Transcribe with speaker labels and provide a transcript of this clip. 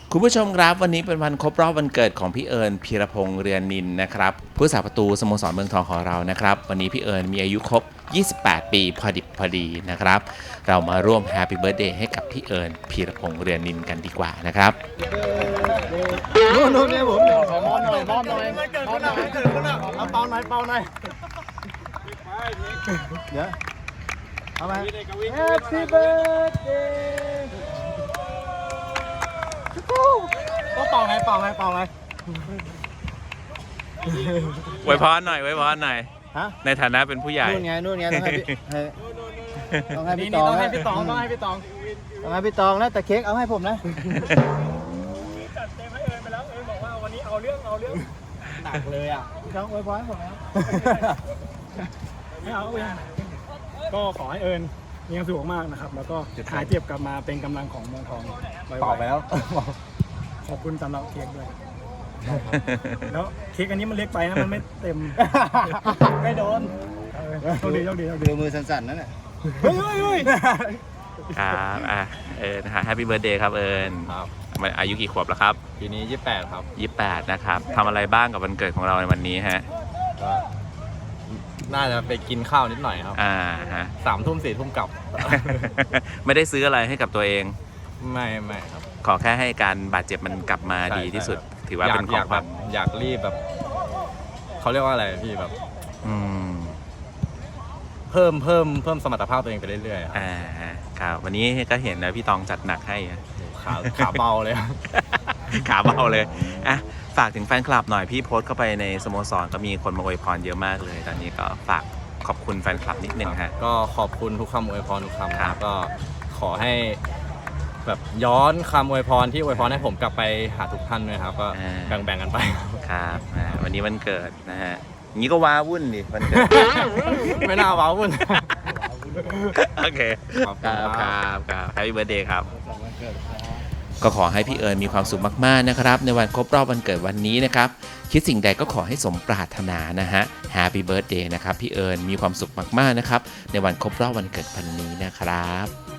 Speaker 1: คุณผู้ชมครับวันนี้เป็นวันครบรอบวันเกิดของพี่เอิญพีรพงษ์เรือนนินนะครับผู้สาประตูสโมสรเมืองทองของเรานะครับวันนี้พี่เอิญมีอายุครบ 28 ปีพอดิบพอดีนะครับเรามาร่วมแฮปปี้เบิร์ธเดย์ให้กับพี่เอิญพีรพงษ์เรือนนินกันดีกว่านะครับ
Speaker 2: นู่นเนี่ยผมมอบหน่อยมอบหน่อยมอบหน่อยเอาเป่าหน่อยเป่าหน่อยเดี๋ยวเอาไหม Happy birthday ก็เป่าไงเป่าไงเป่าไง
Speaker 1: ไว้พรหน่อยไว้พรหน่อย
Speaker 2: ฮะ
Speaker 1: ในฐานะเป็นผู้ใหญ่
Speaker 2: นู่นไงต้องให้พี่ต้องให้พี่ตองต้องให้พี่ตองต้องให้พี่ตองต้องให้พี่ตองนะแต่เค้กเอาให้ผมนะจัดเต็มให้เอิญไปแล้วเอิญบอกว่าวันนี้เอาเรื่องหนักเลยอ่ะพี่ตองอวยพรให้ผมแล้วไม่เอาเองก็ขอให้เอิญมีความสุขมากนะครับแล้วก็หายเจ็บกลับมาเป็นกำลังของเมืองทองตอบไปแล้วขอบคุณสำหรับเค้กด้วยแล้วเค้กอันนี้มันเล็กไปนะมันไม่เต็มไม่โดนโชคดีดูมือสั่นๆนั่นแหละเฮ้ย
Speaker 1: ครับนะฮะแฮปปี้เบิร์ธเดย์ครับเอิญ
Speaker 3: ครับ
Speaker 1: มันอายุกี่ขวบแล้วครับ
Speaker 3: ปีนี้28ครับ
Speaker 1: 28นะครับทำอะไรบ้างกับวันเกิดของเราในวันนี้ฮะ
Speaker 3: ก็น่าจะไปกินข้าวนิดหน่อยครับ
Speaker 1: ฮะ
Speaker 3: 3 ทุ่ม 4 ทุ่มกลับ
Speaker 1: ไม่ได้ซื้ออะไรให้กับตัวเอง
Speaker 3: ไม่ครับ
Speaker 1: ขอแค่ให้การบาดเจ็บมันกลับมาดีที่สุดถือว่าเป็นของขวัญ
Speaker 3: อยากรีบแบบเขาเรียกว่าอะไรพี่แบบเพิ่มสมรรถภาพตัวเองไปเรื่อย
Speaker 1: ๆครับวันนี้ก็เห็นนะพี่ตองจัดหนักให้
Speaker 3: ขาเบาเลย
Speaker 1: ขาเบาเลยฝากถึงแฟนคลับหน่อยพี่โพสต์เข้าไปในสโมสรก็มีคนมาอวยพรเยอะมากเลยตอนนี้ก็ฝากขอบคุณแฟนคลับนิดนึงฮะ
Speaker 3: ก็ขอบคุณทุกคำอวยพรทุกคำครับก็ขอให้แบบย้อนคำอวยพรที่อวยพรให้ผมกลับไปหาทุกท่านด้วยครับก็แบ่งกันไป
Speaker 1: ครับวันนี้วันเกิดนะฮะงี้ก็ว้าวุ่นดิวันเกิด
Speaker 3: ไม่น่าว้าวุ่น
Speaker 1: โอเคครับแฮปปี้เบิร์ธเดย์ครับก็ขอให้พี่เอิญมีความสุขมากๆนะครับในวันครบรอบวันเกิดวันนี้นะครับคิดสิ่งใดก็ขอให้สมปรารถนานะฮะแฮปปี้เบิร์ธเดย์นะครับพี่เอิญมีความสุขมากๆนะครับในวันครบรอบวันเกิดวันนี้นะครับ